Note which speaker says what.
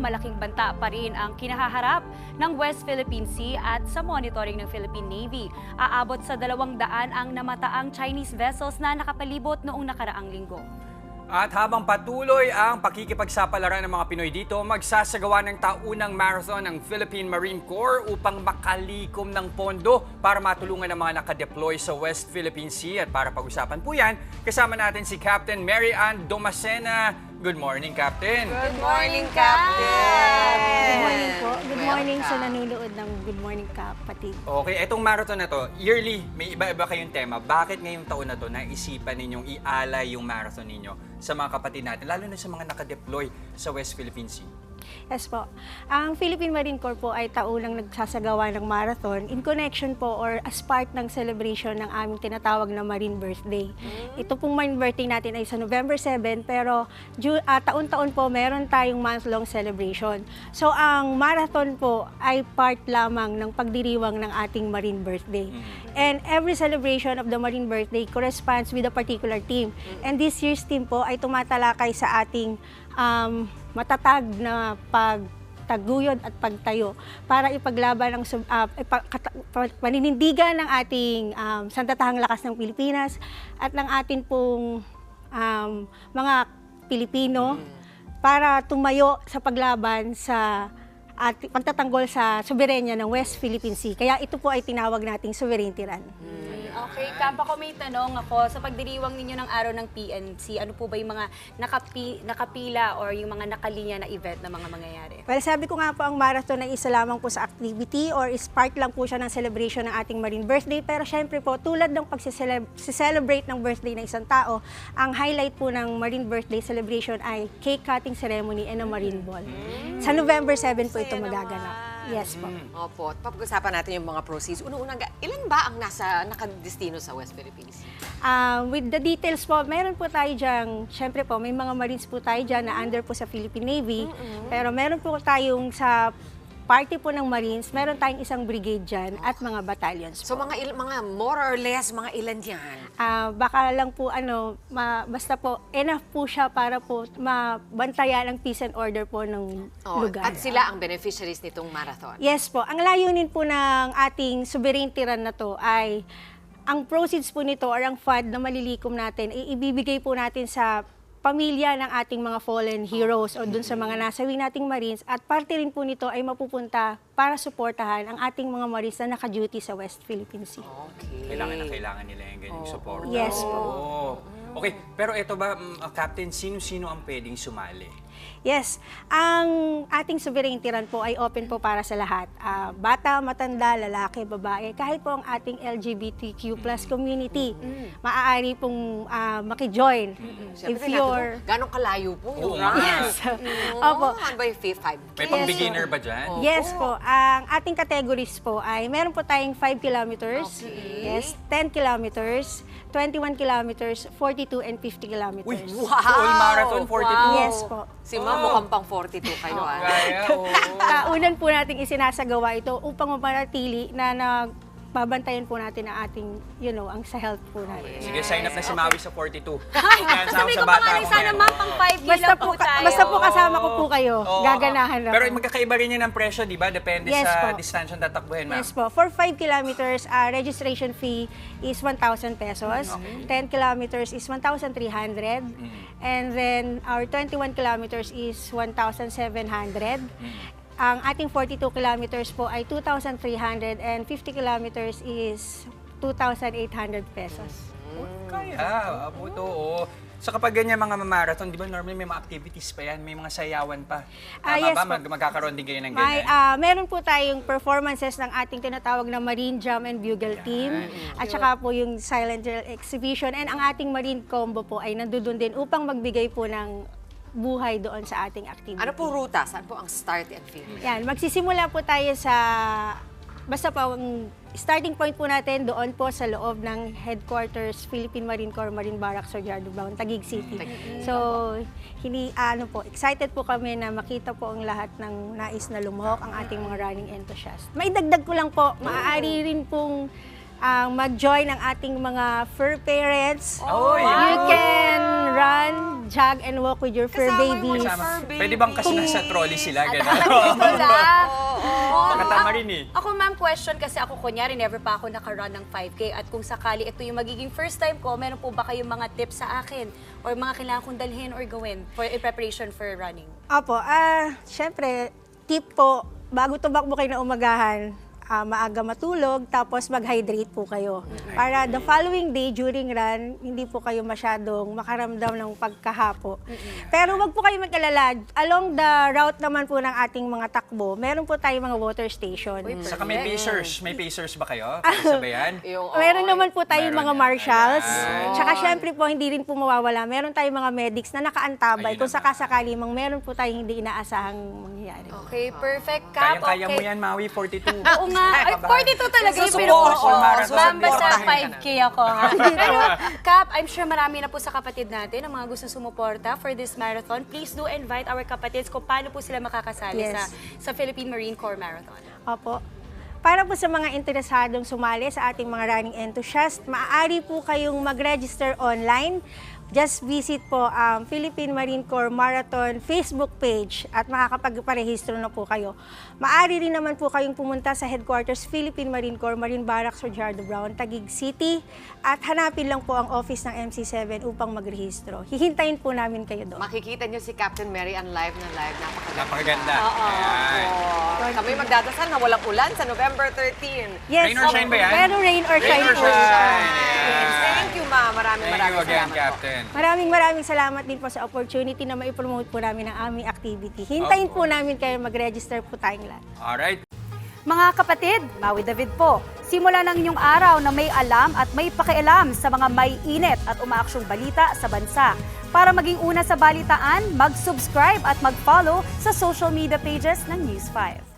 Speaker 1: malaking banta pa rin ang kinahaharap ng West Philippine Sea at sa monitoring ng Philippine Navy. Aabot sa 200 ang namataang Chinese vessels na nakapalibot noong nakaraang linggo.
Speaker 2: At habang patuloy ang pakikipagsapalaran ng mga Pinoy dito, magsasagawa ng taunang marathon ng Philippine Marine Corps upang makalikom ng pondo para matulungan ang mga nakadeploy sa West Philippine Sea. At para pag-usapan po yan, kasama natin si Captain Mary Ann Domacena. Good morning, Captain!
Speaker 3: Good morning, Captain!
Speaker 4: Good morning po. Good morning sa nanonood ng Good Morning Kapatid.
Speaker 2: Okay, etong marathon na to, yearly, may iba-iba kayong tema. Bakit ngayong taon na to naisipan ninyong ialay yung marathon ninyo sa mga kapatid natin, lalo na sa mga nakadeploy sa West Philippine Sea?
Speaker 4: Yes po. Ang Philippine Marine Corps po ay taunang nagsasagawa ng marathon in connection po or as part ng celebration ng aming tinatawag na Marine Birthday. Ito pong Marine Birthday natin ay sa November 7, pero taon-taon po meron tayong month-long celebration. So ang marathon po ay part lamang ng pagdiriwang ng ating Marine Birthday. And every celebration of the Marine Birthday corresponds with a particular theme. And this year's theme po ay tumatalakay sa ating matatag na pagtaguyod at pagtayo para ipaglaban ang paninindigan ng ating sandatahang lakas ng Pilipinas at ng atin pong mga Pilipino para tumayo sa paglaban sa at pagtatanggol sa soberenya ng West Philippine Sea. Kaya ito po ay tinawag nating sovereignty run.
Speaker 1: Okay, Kap, ako may tanong ako. Sa pagdiriwang ninyo ng araw ng PNC, ano po ba yung mga nakapila or yung mga nakalinya na event na mga mangyayari?
Speaker 4: Well, sabi ko nga po, ang marathon ay isa lamang po sa activity or is part lang po siya ng celebration ng ating Marine Birthday. Pero syempre po, tulad ng pag-celebrate ng birthday ng isang tao, ang highlight po ng Marine Birthday celebration ay cake cutting ceremony and a Marine Ball. Sa November 7 po ito magaganap. Yes po.
Speaker 3: Opo. Pag-usapan natin yung mga proceeds. Unang-unang, ilan ba ang nakadestino sa West Philippines?
Speaker 4: With the details po, meron po tayo dyan, syempre po, may mga Marines po tayo dyan na under po sa Philippine Navy. Pero meron po tayong sa party po ng Marines, meron tayong isang brigade dyan at mga battalions po.
Speaker 3: So mga more or less, mga ilan yan?
Speaker 4: Baka lang po, basta po, enough po siya para po mabantayan ang peace and order po ng lugar.
Speaker 3: At sila ang beneficiaries nitong marathon?
Speaker 4: Yes po. Ang layunin po ng ating sovereignty run na to ay ang proceeds po nito or ang fund na malilikom natin, ibibigay po natin sa pamilya ng ating mga fallen heroes o dun sa mga nasawi nating Marines at parte rin po nito ay mapupunta para suportahan ang ating mga Marines na naka-duty sa West Philippine Sea.
Speaker 3: Okay.
Speaker 2: Kailangan nila yung ganyang support.
Speaker 4: Yes po.
Speaker 2: Okay, pero ito ba, Captain, sino-sino ang pwedeng sumali?
Speaker 4: Yes, ang ating sovereignty run po ay open po para sa lahat. Bata, matanda, lalaki, babae, kahit po ang ating LGBTQ plus community, maaari pong maki-join. If you're...
Speaker 3: Gano'ng kalayo po yung run?
Speaker 4: Yes. Opo.
Speaker 3: Ano ba yung 5K?
Speaker 2: May pang-beginner ba dyan?
Speaker 4: Yes po. Ang ating categories po ay meron po tayong 5 kilometers, yes, 10 kilometers, 21 kilometers, 42 and 50 kilometers.
Speaker 2: Uy, full marathon, 42?
Speaker 4: Yes po.
Speaker 3: Si Ma'am mukhang pang 42 kayo.
Speaker 2: Kaya,
Speaker 4: Kaunan po nating isinasagawa ito upang mapanatili na babantayan po natin ang ating, ang sa health po natin.
Speaker 2: Sige, sign up na si Maui sa 42.
Speaker 1: Ay, sabi ko pa nga rin, sana ma'am, pang 5 kilo po tayo.
Speaker 4: Basta po kasama ko po kayo,
Speaker 2: Oo.
Speaker 4: gaganahan na.
Speaker 2: Pero magkakaiba rin yun ng presyo, di ba? Depende
Speaker 4: Yes
Speaker 2: sa
Speaker 4: po.
Speaker 2: distansya na tatakbuhin, ma'am.
Speaker 4: Yes po. For 5 kilometers, registration fee is 1,000 pesos. 10 kilometers is 1,300. And then our 21 kilometers is 1,700. Ang ating 42 kilometers po ay 2,300 and 50 kilometers is 2,800 pesos.
Speaker 2: Kaya, abuto, oo. So kapag ganyan mga marathon, di ba normally may mga activities pa yan, may mga sayawan pa. Tama
Speaker 4: Yes
Speaker 2: ba?
Speaker 4: po.
Speaker 2: Magkakaroon din kayo ng
Speaker 4: May,
Speaker 2: ganyan?
Speaker 4: meron po tayong performances ng ating tinatawag na Marine Drum and Bugle Team. At saka po yung Silent Drill Exhibition. And ang ating Marine Combo po ay nandoon din upang magbigay po ng buhay doon sa ating activity.
Speaker 3: Ano po ruta? Saan po ang start and finish?
Speaker 4: Yan, magsisimula po tayo sa, basta po, ang starting point po natin doon po sa loob ng headquarters Philippine Marine Corps Marine Barracks Sorjardo Baon, Taguig City. So, excited po kami na makita po ang lahat ng nais na lumuhok ang ating mga running enthusiasts. Maidagdag ko lang po, maaari rin pong mag-join ang ating mga fur parents.
Speaker 2: Oh,
Speaker 4: You can run, jog, and walk with your fur
Speaker 3: Kasama yung
Speaker 4: babies.
Speaker 3: mga fur babies.
Speaker 2: Pwede bang kasi nasa trolley sila? Gano'n.
Speaker 1: Ito lang.
Speaker 2: Pakatama rin eh.
Speaker 1: Ako ma'am, question kasi ako kunyari, never pa ako nakarun ng 5K at kung sakali ito yung magiging first time ko, meron po ba kayong mga tips sa akin or mga kailangan kong dalhin or gawin for in preparation for running?
Speaker 4: Opo, syempre, tip po, bago tumakbo kayo na umagahan, maaga matulog, tapos mag-hydrate po kayo. Para the following day, during run, hindi po kayo masyadong makaramdam ng pagkahapo. Pero wag po kayo mag-alala. Along the route naman po ng ating mga takbo, meron po tayong mga water station.
Speaker 2: Saka may pacers. May pacers ba kayo? Sabayan?
Speaker 4: Meron naman po tayong
Speaker 2: Meron
Speaker 4: mga
Speaker 2: yan.
Speaker 4: marshals.
Speaker 2: Ayan.
Speaker 4: Tsaka syempre po, hindi rin po mawawala. Meron tayong mga medics na nakaantabay
Speaker 2: Ayun
Speaker 4: kung
Speaker 2: naman.
Speaker 4: sakasakali mang meron po tayong hindi inaasahang mangyayari.
Speaker 1: Okay, perfect. Kap,
Speaker 2: Kaya mo
Speaker 1: okay.
Speaker 2: yan, Maui, 42.
Speaker 1: Oo nga. Ay, 42 talaga yung
Speaker 3: Susuporta.
Speaker 1: pinuha ko.
Speaker 2: Marathon.
Speaker 1: Ma'am, basta
Speaker 3: Susuportahin ka
Speaker 1: 5K ako, ha? Pero, Kap, I'm sure marami na po sa kapatid natin ang mga gusto sumuporta for this marathon. Please do invite our kapatids kung paano po sila makakasali
Speaker 4: Yes.
Speaker 1: sa Philippine Marine Corps Marathon.
Speaker 4: Opo. Para po sa mga interesadong sumali sa ating mga running enthusiast, maaari po kayong mag-register online. Just visit po ang Philippine Marine Corps Marathon Facebook page at makakapagparehistro na po kayo. Maaari rin naman po kayong pumunta sa headquarters Philippine Marine Corps Marine Barracks Rojardo Brown, Taguig City at hanapin lang po ang office ng MC7 upang magrehistro. Hihintayin po namin kayo doon.
Speaker 3: Makikita niyo si Captain Mary on live na live.
Speaker 2: Napakaganda. Ayan.
Speaker 3: Kami magdadasal na walang ulan sa November 13.
Speaker 4: Yes,
Speaker 2: Rain or shine ba yan?
Speaker 4: Pero rain or
Speaker 2: Rain
Speaker 4: shine
Speaker 2: or
Speaker 4: po.
Speaker 2: shine.
Speaker 3: Thank you, Ma. Maraming
Speaker 2: Thank you again,
Speaker 3: salamat po.
Speaker 2: Captain.
Speaker 4: Maraming salamat din po sa opportunity na maipromote po namin ang aming activity. Hintayin po namin kayo mag-register po tayong lahat.
Speaker 2: Alright.
Speaker 1: Mga kapatid, Maui David po. Simula ng inyong araw na may alam at may pakialam sa mga may init at umaaksyong balita sa bansa. Para maging una sa balitaan, mag-subscribe at mag-follow sa social media pages ng News 5.